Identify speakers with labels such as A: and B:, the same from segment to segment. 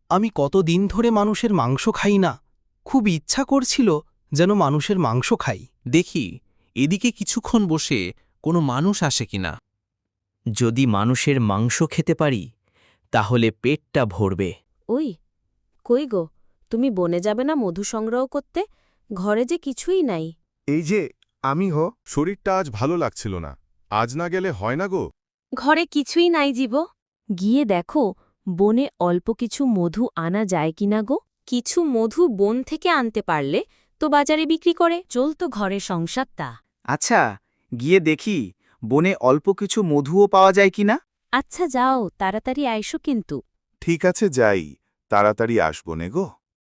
A: আমি কতদিন ধরে মানুষের মাংস খাই না, খুব ইচ্ছা করছিল যেন মানুষের মাংস খাই।
B: দেখি এদিকে কিছুক্ষণ বসে কোনো মানুষ আসে কিনা।
C: যদি মানুষের মাংস খেতে পারি তাহলে পেটটা ভরবে।
D: ওই, কই গো, তুমি বনে যাবে না মধু সংগ্রহ করতে? ঘরে যে কিছুই নাই।
E: এই যে আমি শরীরটা আজ ভালো লাগছিল না, আজ না গেলে হয় না গো।
D: ঘরে কিছুই নাই জীব।
F: গিয়ে দেখো বনে অল্প কিছু মধু আনা যায় কিনা গো।
D: কিছু মধু বন থেকে আনতে পারলে তো বাজারে বিক্রি করে
F: চলতো ঘরে সংসারটা।
G: আচ্ছা, গিয়ে দেখি বনে অল্প কিছু মধুও পাওয়া যায় কিনা।
F: আচ্ছা যাও, তাড়াতাড়ি আইসো কিন্তু।
E: ঠিক আছে, যাই, তাড়াতাড়ি আসবো নে গো।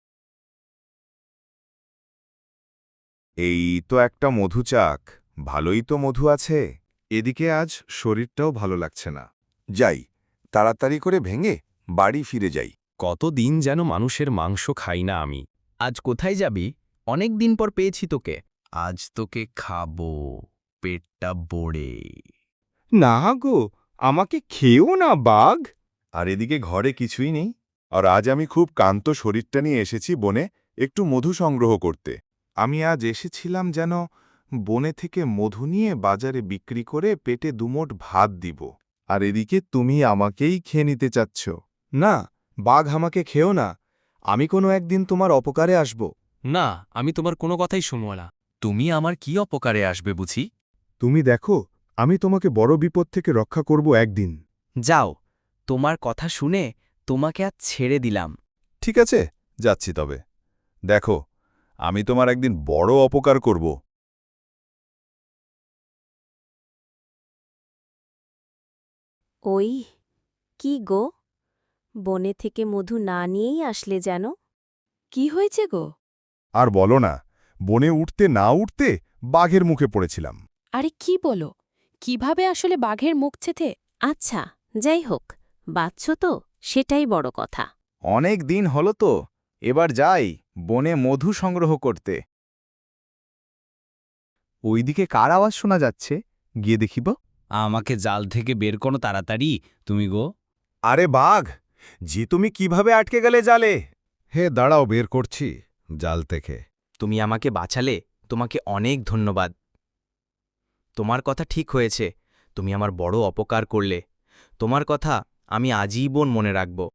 E: এই তো একটা মধু চাক, ভালোই তো মধু আছে। এদিকে আজ শরীরটাও ভালো লাগছে না। যাই, তাড়াতাড়ি করে ভেঙে বাড়ি ফিরে যাই।
B: কতদিন যেন মানুষের মাংস খাই না আমি।
A: আজ কোথায় যাবি? অনেক দিন পর পেয়েছি তোকে।
B: আজ তোকে খাবো পেটটা ভরে।
E: না গো, আমাকে খেও না বাঘ। আর এদিকে ঘরে কিছুই নেই, আর আজ আমি খুব ক্লান্ত শরীরটা নিয়ে এসেছি বনে একটু মধু সংগ্রহ করতে। আমি আজ এসেছিলাম যেন বনে থেকে মধু নিয়ে বাজারে বিক্রি করে পেটে দুমোট ভাত দিব। আর এদিকে তুমি আমাকেই খেয়ে নিতে চাচ্ছ। না, বাঘ আমাকে খেও না, আমি কোনো একদিন তোমার অপকারে আসব।
B: না, আমি তোমার কোনো কথাই শুনব না। তুমি আমার কি অপকারে আসবে বুঝি?
E: তুমি দেখো, আমি তোমাকে বড় বিপদ থেকে রক্ষা করব একদিন।
C: যাও, তোমার কথা শুনে তোমাকে আজ ছেড়ে দিলাম।
E: ঠিক আছে, যাচ্ছি তবে। দেখো, আমি তোমার একদিন বড় অপকার করব।
D: ওই, কি গো, বনে থেকে মধু না নিয়েই আসলে যেন? কি হয়েছে গো?
E: আর বলো না, বনে উঠতে না উঠতে বাঘের মুখে পড়েছিলাম।
F: আরে কি বলো, কিভাবে আসলে বাঘের মুখ ছেথে?
D: আচ্ছা, যাই হোক, বাচ্চ তো, সেটাই বড় কথা।
G: অনেক দিন হলো তো, এবার যাই বনে মধু সংগ্রহ করতে। ওইদিকে কার আওয়াজ শোনা যাচ্ছে, গিয়ে দেখিব।
B: আমাকে জাল থেকে বের করো তাড়াতাড়ি তুমি গো।
E: আরে বাঘ, যে তুমি কিভাবে আটকে গেলে জালে? হে দাঁড়াও, বের করছি জাল থেকে।
C: তুমি আমাকে বাঁচালে, তোমাকে অনেক ধন্যবাদ। তোমার কথা ঠিক হয়েছে, তুমি আমার বড় অপকার করলে। তোমার কথা আমি আজীবন মনে রাখব।